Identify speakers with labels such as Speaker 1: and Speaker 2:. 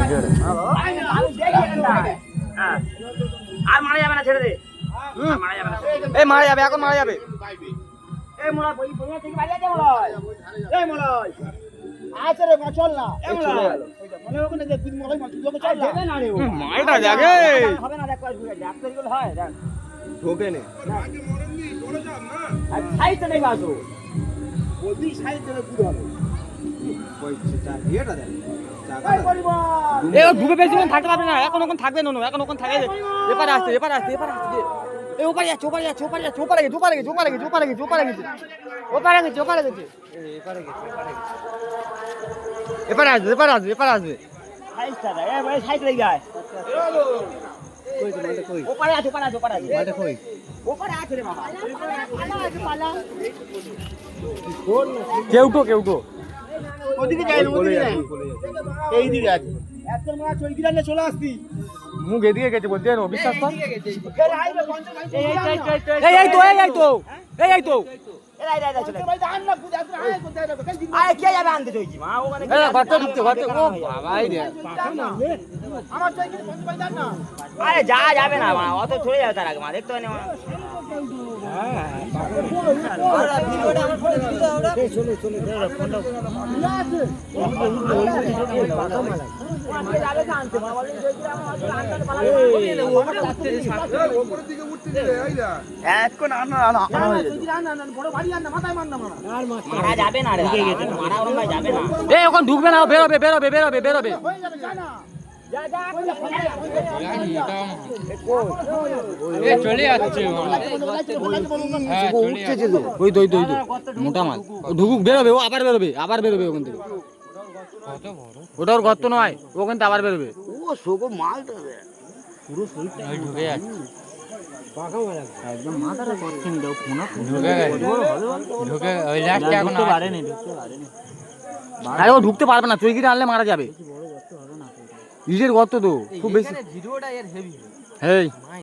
Speaker 1: আর মারা যাবে না, ছেড়ে দে। মারা যাবে না,
Speaker 2: এই মারা যাবে, এখন মারা যাবে।
Speaker 1: এই মোলা বই বই থেকে বাইরে যা মোলা। এই মোলা আচ্ছা রে চল না। এই মোলা মনে হবে না যে তুই মোলাই মাছ লোকে চল দেবে না রে।
Speaker 2: মালটা জাগে
Speaker 1: হবে না, দেখ কই ডাক্তার গুলো হয় দেখ
Speaker 2: ঢোকে নে।
Speaker 3: আগে মরণনি দৌড়ে যান না।
Speaker 1: আর সাইতে নেই বাসো বলবি সাইতে নেই পুরো হবে। এই পরিবার
Speaker 2: এ ডুবে বেশিক্ষণ থাকতে পারবে না, এখন ওখানে থাকবে না, এখন ওখানে থাকে। এপারে আসতে এপারে আসতে এপারে আসতে। এ ওপারে যাচ্ছে, ওপারে যাচ্ছে, ওপারে যাচ্ছে, ওপারে গেছে, ওপারে গেছে, ওপারে গেছে, ওপারে গেছে, ওপারে গেছে, ওপারে গেছে, ওপারে গেছে, এপারে গেছে, এপারে আসবে, এপারে আসবে, এপারে আসবে।
Speaker 1: সাইতে দে এই ভাই সাইতে যায়
Speaker 2: কই তো মালটা কই?
Speaker 1: ওপারে আছে, ওপারে আছে, ওপারে আছে,
Speaker 2: মালটা কই?
Speaker 1: ওপারে আছে রে বাবা। পালা আছে, পালা
Speaker 2: কেউ তো
Speaker 1: ওদিকে যাই না, ওদিকে যাই এই দিকে আছে এত মাছ ওই দিকে চলে আসতি।
Speaker 2: মুখ এদিকে গেছে বলতে জানো, বিশ্বাস কর।
Speaker 1: ফের আইবে পঞ্চাশ
Speaker 2: এই তো এই তো
Speaker 1: এরা চলে ভাই জান না বুঝ এত আয় কোথায় যাবে আয় কে যাবে আনতে চইছি মা ওখানে
Speaker 2: এই ঘরটা ঢুকতে ও বাবাই রে।
Speaker 1: আমার চই কি পঞ্চাশ ভাই জান না আরে যা যাবে না মা অত চলে যাবে তার আগে মা দেখতে হয় না মা। ভিডিওটা আমার ফোনে দিতে ওটা এই চলে ফোনটা আছে যাবে জানতে বাবা বলে যে আমার আনতে পালা
Speaker 3: উপরের দিকে উঠতে দিলে আইলা।
Speaker 1: এখন না বড় বাড়ি আন না মাথায় মার না মারা যাবে না রে মারা ওরম ভাই যাবে না
Speaker 2: এই ওখানে ঢুকবে না, বেরোবে।
Speaker 1: হয়ে যাবে যা না যা যা
Speaker 2: এ চলে যাচ্ছে ওই তো মোটা মাল ঢুকুক, বেরোবে, ও আবার বেরোবে ওখান থেকে। ওটা ওর গর্ত নয়, ওখান থেকে আবার বেরোবে।
Speaker 1: ও সোগো মালটা রে
Speaker 2: পুরো শরীরটা ঢুকে যাচ্ছে,
Speaker 1: একদম মাথাটা করছেন দাও ফোন
Speaker 2: ঢুকে ওই লাস্টে এখন পারেনি। আরে ও ঢুকতে পারবে না, চৈকিটা আনলে মারা যাবে। ইটের গর্ত তো খুব বেশি। ভিডিওটা এর হেভি।